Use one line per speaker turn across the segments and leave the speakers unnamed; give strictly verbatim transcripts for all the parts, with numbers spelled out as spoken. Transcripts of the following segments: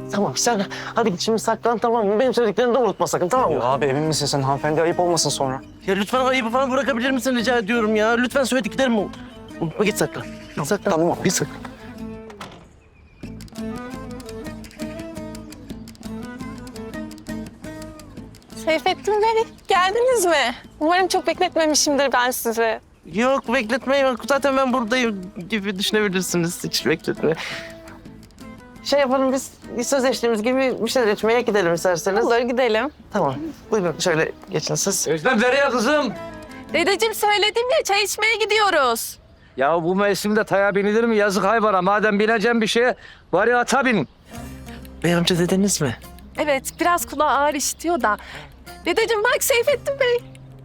Tamam sen hadi git şimdi saklan, tamam mı? Benim söylediklerimi de unutma sakın, tamam mı?
Ya abi emin misin sen? Hanımefendi ayıp olmasın sonra.
Ya lütfen ayıbı falan bırakabilir misin rica ediyorum ya. Lütfen söylediklerimi unutma, git saklan. Git saklan.
Tamam abi.
Git saklan.
Seyfettin Bey, geldiniz mi? Umarım çok bekletmemişimdir ben sizi.
Yok bekletme yok. Zaten ben buradayım gibi düşünebilirsiniz. Hiç bekletme. Şey yapalım biz sözleştiğimiz gibi bir şeyler içmeye gidelim isterseniz.
Olur, gidelim.
Tamam. Buyurun şöyle geçin siz.
Özlem nereye kızım?
Dedeciğim söyledim ya, çay içmeye gidiyoruz.
Ya bu mevsimde taya binilir mi? Yazık hayvana. Madem bineceğim bir şeye var ya ata bin.
Bey amca dediniz mi?
Evet, biraz kulağı ağır işitiyor da. Dedeciğim bak Seyfettin Bey.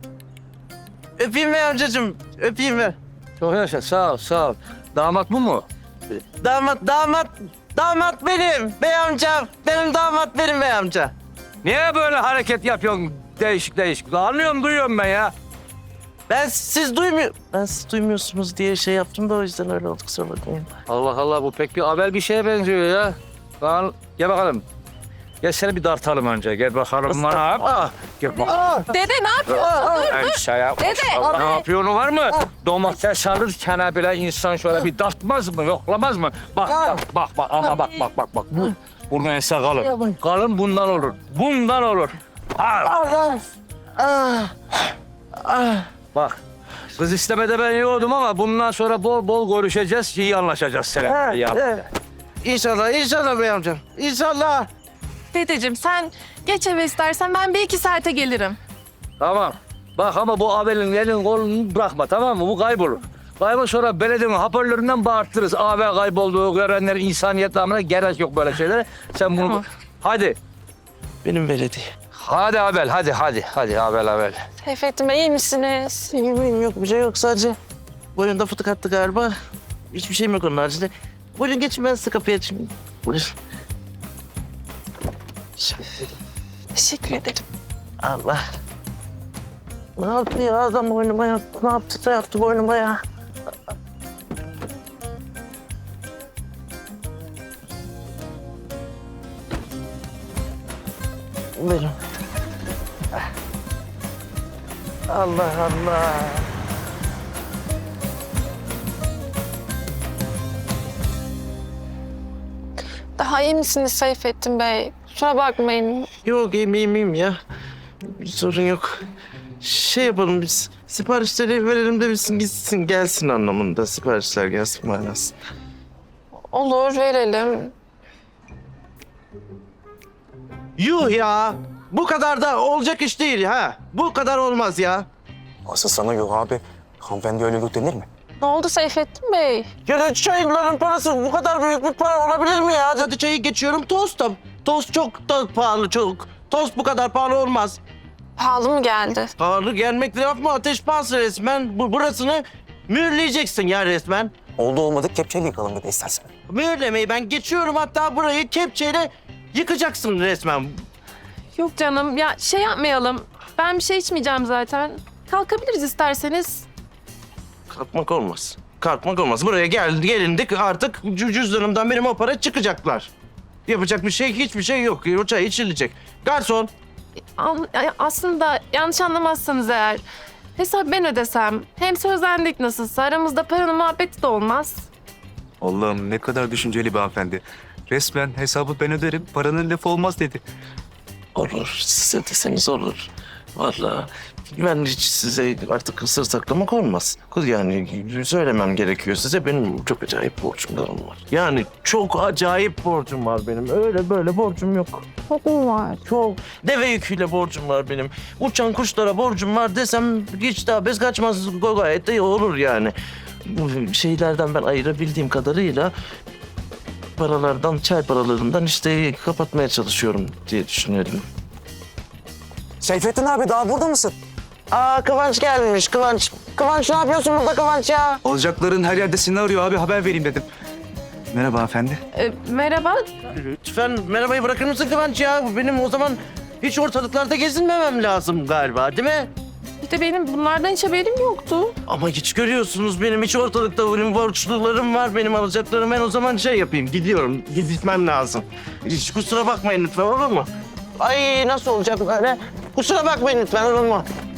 Öpeyim bey amcacığım. Öpeyim ver.
Çok yaşa sağ ol sağ ol. Damat bu mu?
Damat, damat, damat benim. Bey amca, benim damat benim bey amca.
Niye böyle hareket yapıyorsun değişik değişik? Anlıyorum duyuyorum ben ya.
Ben siz duymuyor, ben siz duymuyorsunuz diye şey yaptım da o yüzden öyle oldu, kusura bakmayın.
Allah Allah bu pek bir haber bir şeye benziyor ya. Lan gel bakalım. Gel seni bir dartalım önce. Gel bakalım bana.
Ah,
Gel bakalım.
Dede ne yapıyorsun?
Ay şaya.
Dede.
Ne yapıyorsun var mı? Domates alırken bile insan şöyle bir dartmaz mı, yoklamaz mı? Bak bak bak bak ama bak bak bak bak. Bu bunun ense kalın. Kalın bundan olur. Bundan olur. Al.
ah, ah, ah.
Bak. Kız istemede ben yiyordum ama bundan sonra bol bol görüşeceğiz, iyi anlaşacağız seninle. Ya.
Evet. İnşallah, inşallah bey amcam. İnşallah.
Dedeciğim sen geç eve istersen ben bir iki saate gelirim.
Tamam. Bak ama bu abelin elin kolunu bırakma tamam mı? Bu kaybolur. Kaybol sonra belediyenin hoparlöründen bağırtırız. Abi kaybolduğu görenlerin insaniyet namına gerek yok böyle şeylere. Sen bunu...
Tamam.
Hadi.
Benim belediye.
Hadi Abel, hadi, hadi. Hadi Abel, Abel.
Seyfettin Bey iyi misiniz?
İyiyim, iyiyim. Yok bir şey yok sadece. Boyunda fıtık attı galiba. Hiçbir şeyim yok onun haricinde. Buyurun geçin ben size kapıyı açayım. Buyurun.
Teşekkür ederim.
Allah. Ne yaptı ya adam boynuma yaptı. Ne yaptı da yaptı boynuma ya. Buyurun. Allah Allah.
Daha iyi misiniz Seyfettin Bey? Kusura bakmayın.
Yok iyiyim iyiyim iyiyim ya. Bir sorun yok. Şey yapalım biz. Siparişleri verelim de bilsin gitsin gelsin anlamında. Siparişler gelsin manasında.
Olur verelim.
Yuh ya. Bu kadar da olacak iş değil ha. Bu kadar olmaz ya.
Asıl sana yok abi. Hanımefendi öyle yok denir mi?
Ne oldu Seyfettin Bey?
Ya da çayların parası bu kadar büyük bir para olabilir mi ya? Hadi çayı geçiyorum tost da. Tost çok da pahalı çok. Tost bu kadar pahalı olmaz.
Pahalı mı geldi?
Pahalı gelmek laf mı? Ateş pahası resmen. Bu, burasını mühürleyeceksin ya resmen.
Oldu olmadı kepçeyle yıkalım bir de istersen.
Mühürlemeyi ben geçiyorum hatta burayı kepçeyle yıkacaksın resmen.
Yok canım ya şey yapmayalım. Ben bir şey içmeyeceğim zaten. Kalkabiliriz isterseniz.
Kalkmak olmaz. Kalkmak olmaz. Buraya gel, gelindik artık cü- cüzdanımdan benim o para çıkacaklar. Yapacak bir şey hiçbir şey yok. O çay içilecek. Garson.
An- aslında yanlış anlamazsanız eğer hesap ben ödesem hem sözlendik nasılsa aramızda paranın muhabbeti de olmaz.
Allah'ım ne kadar düşünceli bir hanımefendi. Resmen hesabı ben öderim, paranın lafı olmaz dedi.
Olur. Size deseniz olur. Vallahi ben hiç size artık sır saklamak olmaz. Kız yani söylemem gerekiyor size. Benim çok acayip borcumlarım var. Yani çok acayip borcum var benim. Öyle böyle borcum yok.
Çok mu var?
Çok. Deve yüküyle borcum var benim. Uçan kuşlara borcum var desem hiç daha bez kaçmaz gayet de olur yani. Bu şeylerden ben ayırabildiğim kadarıyla paralardan, çay paralarından işte kapatmaya çalışıyorum diye düşünüyorum.
Seyfettin abi daha burada mısın?
Aa Kıvanç gelmiş Kıvanç. Kıvanç ne yapıyorsun burada Kıvanç ya?
Olacakların her yerde seni arıyor abi, haber vereyim dedim. Merhaba hanımefendi.
Ee, merhaba.
Lütfen merhabayı bırakır mısın Kıvanç ya? Benim o zaman hiç ortalıklarda gezinmemem lazım galiba değil mi?
Bir de benim bunlardan hiç haberim yoktu.
Ama hiç görüyorsunuz benim hiç ortalıkta benim borçlularım var, benim alacaklarım. Ben o zaman şey yapayım, gidiyorum. Gitmem lazım. Hiç kusura bakmayın lütfen, olur mu? Ay nasıl olacak böyle? Kusura bakmayın lütfen, olur mu?